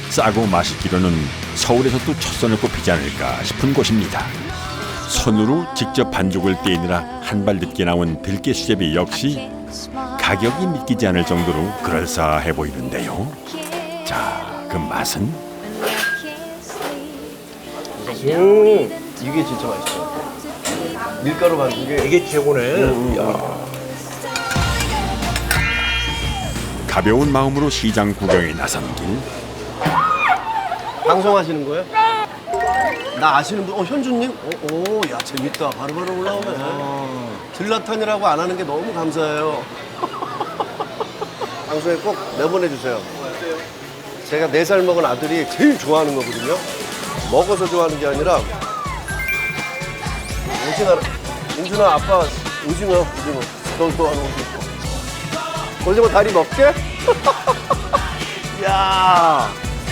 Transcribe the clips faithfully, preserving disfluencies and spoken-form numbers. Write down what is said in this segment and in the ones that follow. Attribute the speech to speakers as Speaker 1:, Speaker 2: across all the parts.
Speaker 1: 싸고 맛있기로는 서울에서도 첫선을 꼽히지 않을까 싶은 곳입니다. 손으로 직접 반죽을 떼느라 한 발 늦게 나온 들깨 수제비 역시 가격이 믿기지 않을 정도로 그럴싸해 보이는데요. 자, 그 맛은?
Speaker 2: 음, 이게 진짜 맛있어. 밀가루 반죽이
Speaker 3: 이게 최고네.
Speaker 2: 음, 야.
Speaker 1: 가벼운 마음으로 시장 구경에 나선 길.
Speaker 2: 방송하시는 거예요? 나 아시는 분? 어, 현주님? 어, 오, 야, 재밌다. 바로바로 올라오네. 들라탄이라고 안 하는 게 너무 감사해요. 방송에 꼭 내보내주세요. 제가 네 살 먹은 아들이 제일 좋아하는 거거든요. 먹어서 좋아하는 게 아니라 오징어, 인준아 아빠 오징어, 오징어. 너 좋아하는 오징어. 오징어 다리 먹게? 야.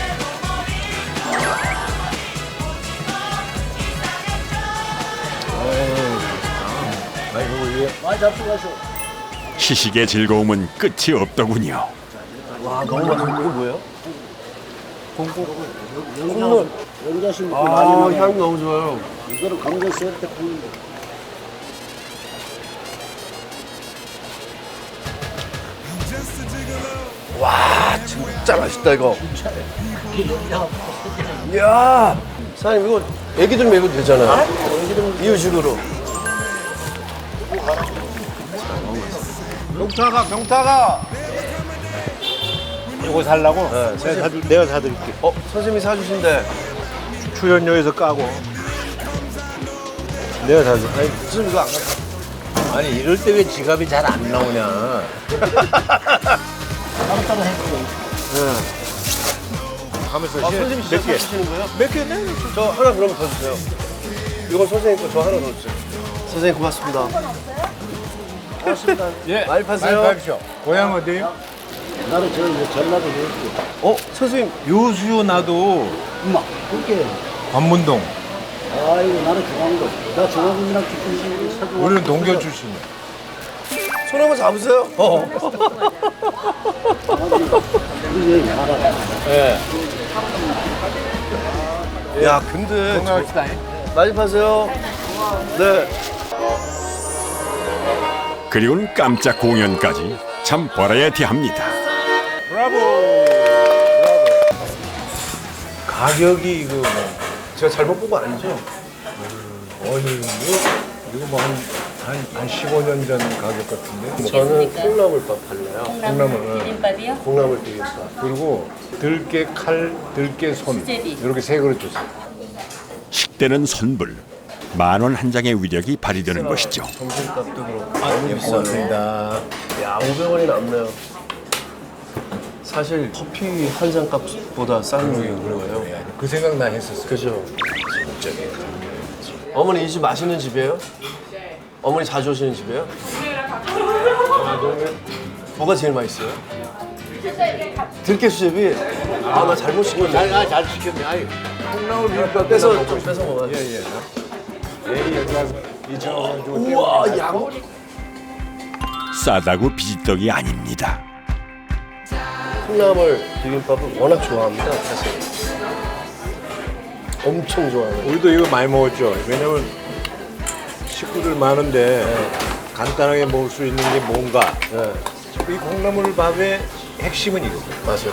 Speaker 1: 시식의 즐거움은 끝이 없더군요.
Speaker 2: 와, 너무 맛있어. 이거 뭐예요? 콩물.
Speaker 4: 연자심
Speaker 2: 아,
Speaker 4: 많이 나요.
Speaker 2: 향 너무 좋아요.
Speaker 4: 이거를 강조 쓸 때 굽는 거.
Speaker 2: 와, 진짜 맛있다, 이거. 이야. 사장님, 이거 애기들 먹여도 되잖아요. 이유식으로. 병타가, 병타가.
Speaker 3: 이거 살라고?
Speaker 2: 네,
Speaker 3: 내가, 사줄, 내가 사드릴게.
Speaker 2: 어, 선생님이 사주신대.
Speaker 3: 출연료에서 까고. 내가 사줄게.
Speaker 2: 아니, 선생님 이거 안 갖다.
Speaker 3: 아니 이럴 때 왜 지갑이 잘 안 나오냐?
Speaker 4: 따로따로 해주고.
Speaker 3: 하면서
Speaker 2: 아,
Speaker 3: 시-
Speaker 2: 선생님이 진짜
Speaker 3: 몇 개?
Speaker 2: 사주시는 거예요?
Speaker 3: 몇 개? 네.
Speaker 2: 저 하나 그러면 더 주세요. 이건 선생님 거, 저 하나 더 주세요. 선생님 고맙습니다. 고맙습니다.
Speaker 3: 예.
Speaker 2: 많이 파세요.
Speaker 3: 많이 파십시오. 고향 어디요?
Speaker 4: 나는 저 이제 전라도 내고.
Speaker 2: 어, 선생님.
Speaker 3: 요수요 나도
Speaker 4: 엄마, 그게.
Speaker 3: 관문동.
Speaker 4: 아이고, 나는 중앙도. 나 중앙군이랑 주신 사주.
Speaker 3: 우리는 동교 출신이야.
Speaker 2: 손 한번 잡으세요. 어.
Speaker 4: 이게 알아.
Speaker 3: 예.
Speaker 2: 야, 근데
Speaker 3: 건강합시다.
Speaker 2: 많이 파세요. 네.
Speaker 1: 그리고는 깜짝 공연까지 참 버라이어티합니다.
Speaker 3: 브라보. 가격이 이거 뭐
Speaker 2: 제가 잘못 본 거 아니죠?
Speaker 3: 어느 뭐 이거 뭐한한 한 십오 년 전 가격 같은데.
Speaker 2: 저는 콩나물밥 팔래요.
Speaker 3: 콩나물.
Speaker 5: 비빔밥이요?
Speaker 2: 콩나물 비빔밥.
Speaker 3: 그리고 들깨 칼, 들깨 손
Speaker 5: 수제비.
Speaker 3: 이렇게 세 그릇 주세요.
Speaker 1: 식대는 선불. 만 원 한 장의 위력이 발휘되는 것이죠.
Speaker 2: 점심값도 그렇고
Speaker 3: 아,
Speaker 2: 너무
Speaker 3: 예,
Speaker 2: 비싸네.
Speaker 3: 고맙습니다.
Speaker 2: 야, 오백 원이 남네요. 사실 커피 한 잔 값보다 싼 거예요.
Speaker 3: 그 생각 나 했었어요.
Speaker 2: 그죠? 어머니 이 집 맛있는 집이에요? 어머니 자주 오시는 집이에요? 뭐가 제일 맛있어요? 들깨 수제비? 아, 나 잘못 시켰네.
Speaker 3: 잘, 아, 잘 시켰네. 아이, 콩나물 비빔밥
Speaker 2: 뺏어, 좀 뺏어 먹어요.
Speaker 3: 예, 예. 예, 이천 원 주고
Speaker 2: 우와, 양.
Speaker 1: 싸다고 비지떡이 아닙니다.
Speaker 2: 콩나물 비빔밥을 워낙 좋아합니다, 사실. 엄청 좋아해요.
Speaker 3: 우리도 이거 많이 먹었죠. 왜냐면 식구들 많은데 간단하게 먹을 수 있는 게 뭔가.
Speaker 2: 네,
Speaker 3: 이 콩나물 밥의 핵심은 이거.
Speaker 2: 맞아요.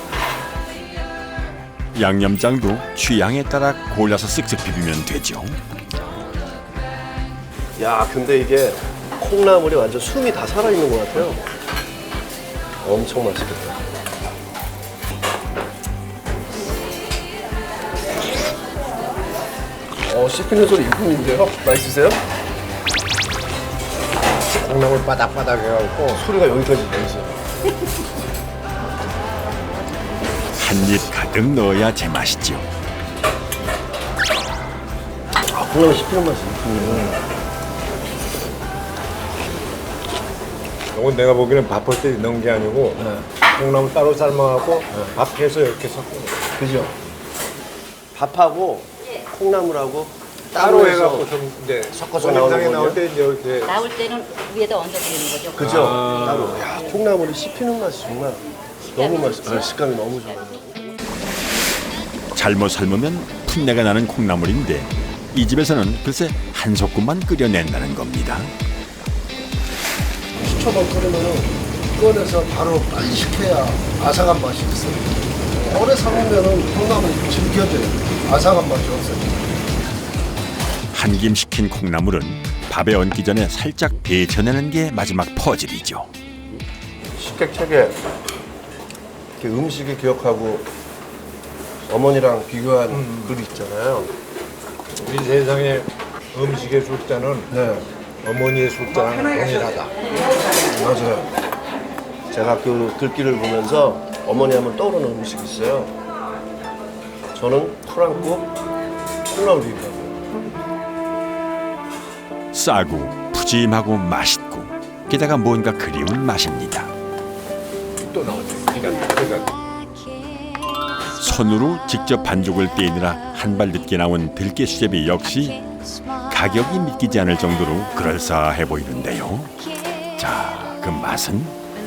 Speaker 1: 양념장도 취향에 따라 골라서 쓱쓱 비비면 되죠.
Speaker 2: 야, 근데 이게 콩나물이 완전 숨이 다 살아있는 것 같아요. 엄청 맛있겠다. 어, 씹히는 소리 이쁨인데요? 맛있으세요?
Speaker 3: 콩나물 바닥바닥 해갖고
Speaker 2: 소리가 여기까지 들리세요.
Speaker 1: 한 입 가득 넣어야 제맛이죠.
Speaker 2: 아, 콩나물 씹히는 맛이 이쁨이네.
Speaker 3: 이건 내가 보기에는 밥할 때 넣은 게 아니고 콩나물 따로 삶아갖고 밥해서 이렇게 섞은 거.
Speaker 2: 그죠? 밥하고 콩나물하고
Speaker 3: 따로
Speaker 2: 해서
Speaker 3: 해갖고 좀 이제
Speaker 2: 섞어서
Speaker 3: 영상에
Speaker 2: 나오는
Speaker 3: 나올
Speaker 2: 거거든요?
Speaker 3: 때 이제 이렇게
Speaker 5: 나올 때는 위에다 얹어드리는 거죠.
Speaker 2: 그죠? 따로. 야, 콩나물이 씹히는 맛이 정말 너무 맛있어요. 식감이 너무 좋아요.
Speaker 1: 잘못 삶으면 풋내가 나는 콩나물인데 이 집에서는 글쎄 한 소끔만 끓여낸다는 겁니다.
Speaker 6: 십 초만 끓이면 꺼내서 바로 빨리 식혀야 아삭한 맛이 있어요. 오래 삶으면 콩나물이 질겨져요. 아삭한 맛이 없어요.
Speaker 1: 한 김 식힌 콩나물은 밥에 얹기 전에 살짝 데쳐내는 게 마지막 퍼즐이죠.
Speaker 2: 식객책에 이렇게 음식을 기억하고 어머니랑 비교한 글이 있잖아요.
Speaker 3: 우리 세상에 음식의 숫자는
Speaker 2: 네,
Speaker 3: 어머니의 숫자랑 동일하다.
Speaker 2: 맞아요. 제가 그 글귀를 보면서 어머니 하면 떠오르는 음식이 있어요. 저는 풀안국 콩나물 비빔밥.
Speaker 1: 싸고 푸짐하고 맛있고 게다가 뭔가 그리운 맛입니다.
Speaker 3: 또 나오죠. 그러니까, 그러니까
Speaker 1: 손으로 직접 반죽을 떼느라 한 발 늦게 나온 들깨 수제비 역시 가격이 믿기지 않을 정도로 그럴싸해 보이는데요. 자, 그 맛은?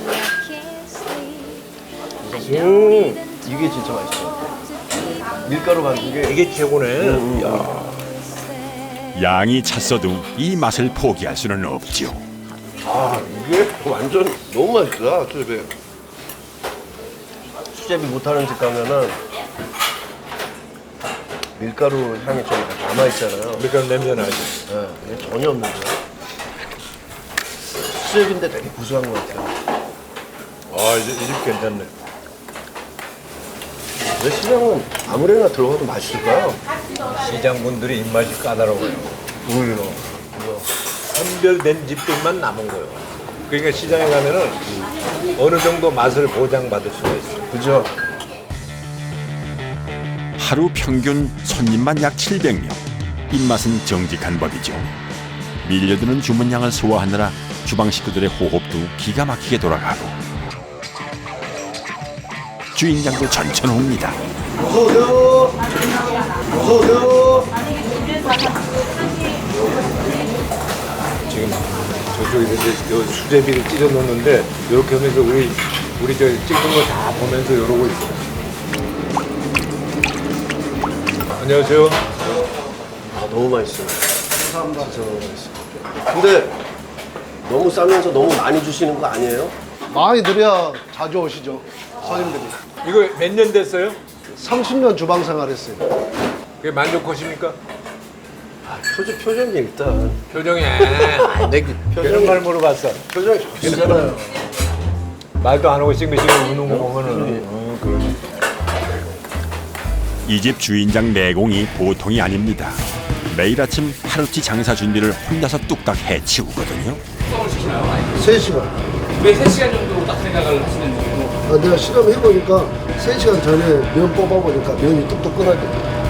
Speaker 2: 음, 이게 진짜 맛있어요. 밀가루 반죽에
Speaker 3: 이게 최고네. 야.
Speaker 1: 양이 찼어도 이 맛을 포기할 수는 없죠.
Speaker 2: 아, 이게 완전 너무 맛있다, 수제비. 수제비 못하는 집 가면은 밀가루 향이 좀 남아있잖아요.
Speaker 3: 밀가루 냄새 나지.
Speaker 2: 네, 이게 전혀 없는데. 수제비인데 되게 구수한 것 같아요.
Speaker 3: 아, 이 집 괜찮네.
Speaker 2: 왜 시장은 아무래나 들어가도 맛있을까요?
Speaker 3: 시장 분들이 입맛이 까다로워요.
Speaker 2: 오히려.
Speaker 3: 선별된 집들만 남은 거예요. 그러니까 시장에 가면은 어느 정도 맛을 보장받을 수가 있어요.
Speaker 2: 그죠?
Speaker 1: 하루 평균 손님만 약 칠백 명. 입맛은 정직한 법이죠. 밀려드는 주문량을 소화하느라 주방 식구들의 호흡도 기가 막히게 돌아가고 주인장도 전천후입니다.
Speaker 2: 어서오세요. 어서오세요.
Speaker 3: 지금 저쪽에서 이제 요 수제비를 찢어 놓는데 이렇게 하면서 우리 우리 저 찍는 거 다 보면서 이러고 있어요. 안녕하세요.
Speaker 2: 아, 너무 맛있어요. 감사합니다. 진짜 너무 맛있어요. 근데 너무 싸면서 너무 많이 주시는 거 아니에요?
Speaker 6: 많이 드려야 자주 오시죠. 손님들이.
Speaker 3: 이거 몇 년 됐어요?
Speaker 6: 삼십 년 주방 생활했어요.
Speaker 3: 그게 만족하십니까?
Speaker 2: 아, 표정, 표정이 일단.
Speaker 3: 표정이 아, 내 표정 말 물어봤어.
Speaker 2: 표정이 좋잖아요.
Speaker 3: 말도 안 하고 싱글싱글 우는 거 보면은 어, 그러네.
Speaker 1: 이 집 주인장 내공이 보통이 아닙니다. 매일 아침 하루치 장사 준비를 혼자서 뚝딱 해치우거든요.
Speaker 6: 세 시간.
Speaker 7: 왜 세 시간 정도 딱 생각을 하시는 거예요?
Speaker 6: 아, 내가 실험해보니까 세 시간 전에 면 뽑아보니까 면이 뚝뚝 끊어져.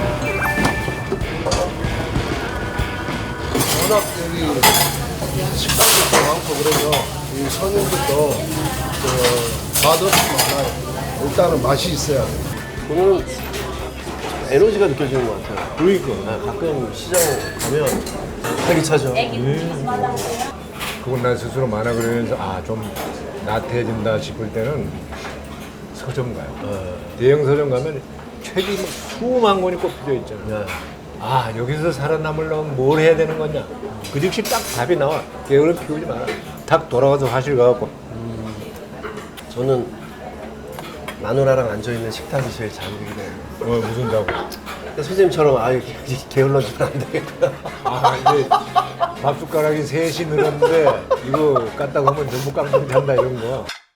Speaker 6: 워낙 여기 식당도 많고 그래서 이 손님들도 그 맛없이 많아요. 일단은 맛이 있어야 돼.
Speaker 2: 오늘은 에너지가 느껴지는 것 같아요.
Speaker 3: 그러니까
Speaker 2: 아, 가끔 시장 가면 활기차죠.
Speaker 3: 그건 나 스스로 만화 그리면서 아 좀 나태해진다 싶을 때는 서점 가요. 대형 서점 가면 책이 막 수만 권이 꼽혀 있잖아요.
Speaker 2: 네.
Speaker 3: 아 여기서 살아남으려면 뭘 해야 되는 거냐? 그 즉시 딱 답이 나와. 게으름 피우지 마라. 딱 돌아가서 화실 가갖고
Speaker 2: 저는 마누라랑 앉아있는 식탁이 제일 자극이네요.
Speaker 3: 어 무슨 자고?
Speaker 2: 근데 선생님처럼 아, 게을러지면 안 되겠구나.
Speaker 3: 아 이제 밥 숟가락이 셋이 늘었는데 이거 깠다고 하면 전부 깡통 찬다 이런 거.